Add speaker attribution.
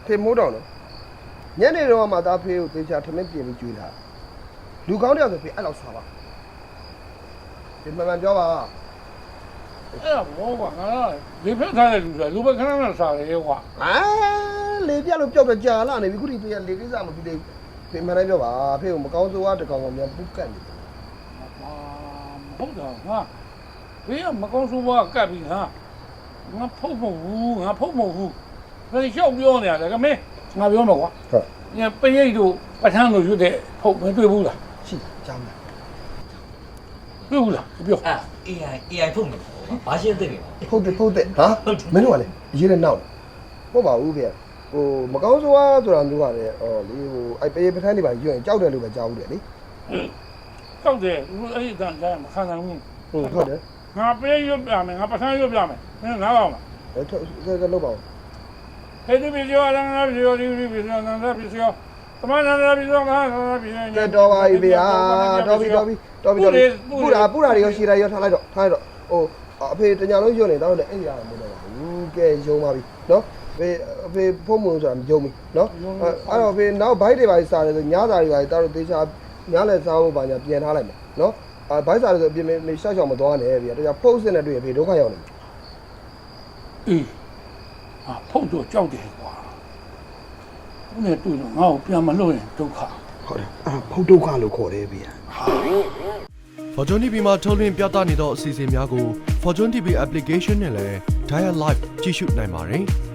Speaker 1: ဖေမိုးတောင်နော်ညနေတော့မှသားဖေးကိုသေချာထမင်းပြင်ပြီးကျွေးတာလူကောင်းတယောက်ဆိုဖေးအဲ့လောက်ဆွာပါဒီမှန်ပြောပါ
Speaker 2: အဲ့ဒါဘောကွာငါလေဖက်ထားတဲ့လူဆိုလူပဲခဏခဏစားတယ်ကွာ
Speaker 1: လေပြလို့ပျောက်တော့ကြာလာနေပြီခုဒီဖေးကလေကိစ္စမပြီးသေးဖေးမှန်တိုင်းပြောပါဖေးကိုမကောင်းဆိုးတကောင်ကောင်များပုတ်ကတ်နေ
Speaker 2: ဟုတ်တယ်ငါဘေးကမကောင်းဆိုးဘွားကတ်ပြီးဟာငါဖုတ်မဟုတ်ဘူးငါဖုတ်မဟုတ်ဘူးဘယ်လျှောက်ပြောနေရလဲကမင်းငါပြောမှာကွာ
Speaker 1: ဟုတ်
Speaker 2: ညပရိတ်တို့ပထန်းတို့ရွတ်တဲ့ဖုတ်မတွေ့ဘူးလား
Speaker 1: ရှိကြောင်းလား
Speaker 2: တွေ့ဘူးလားပြော
Speaker 3: AI ဖုတ်နေဘာရှင်းသိနေ
Speaker 1: ဟုတ်တယ်ဟာမင်းတို့ကလေရေးတဲ့နောက်ဟုတ်ပါဘူးဖေးဟိုမကောင်းဆိုးဆိုတာမျိုးကလည်းဟောလေဟိုအဲ့ပေပထန်းတွေပါရွရင်ကြောက်တယ်လို့ပဲကြားဘူးတယ်လေ
Speaker 2: ကြောက်တယ်အဲ့ဒီတန်တိုင်းမခံနိုင်ဘူး
Speaker 1: ဟုတ်တယ်
Speaker 2: ငါပေးရွတ်ပြမယ်ငါပထန်းရွတ်ပြမယ်မင်းနားအောင်လား
Speaker 1: ကလောက်ပါဦး
Speaker 2: ဟဲ့ဒီဗီဒီယိုအလန်းနာဗီဒီယိုဒီဗီဒီယိုနာနာဗီဒီယိုတမန်နာနာဗီဒီယိုနာနာဗီဒီယို
Speaker 1: တော်ပါပြီဗျာတော်ပြီပူတာတွေရောရှည်တာရောထားလိုက်တော့ဟိုအဖေတညာလုံးယွတ်နေတော့လည်းအဲ့ဒီအားမလို့ပါဘူးကဲယုံပါပြီနော်အဖေဖုံးမလို့ဆိုတာမယုံဘူးနော်အဲ့တော့အဖေနောက်ဘိုက်တွေပါစားတယ်ဆိုညစာတွေပါတောက်တော့တေချာညလည်းစားဖို့ပါညာပြန်ထားလိုက်မယ်နော်ဘိုက်စားတယ်ဆိုအပြင်မေရှောက်ရှောက်မသွားနဲ့ဗျာတရားဖုတ်စစ်နဲ့တွေ့အဖေဒုက္ခရောက်နေတယ်
Speaker 2: အေးဖုတ်တော့ကြောက်တယ်ကွာဦးနဲ့တွေ့တော့ငါ့ကိုပြန်မလို့ရင်ဒုက္ခ
Speaker 1: ဟုတ်တယ်ဖုတ်ဒုက္ခလို့ခေါ်တယ်ဗျာ
Speaker 4: Fortune TV မှာထုတ်လွှင့်ပြသနေသောအစီအစဉ်များကို Fortune TV application နဲ့လည်း Dial Live ကြည့်ရှုနိုင်ပါတယ်။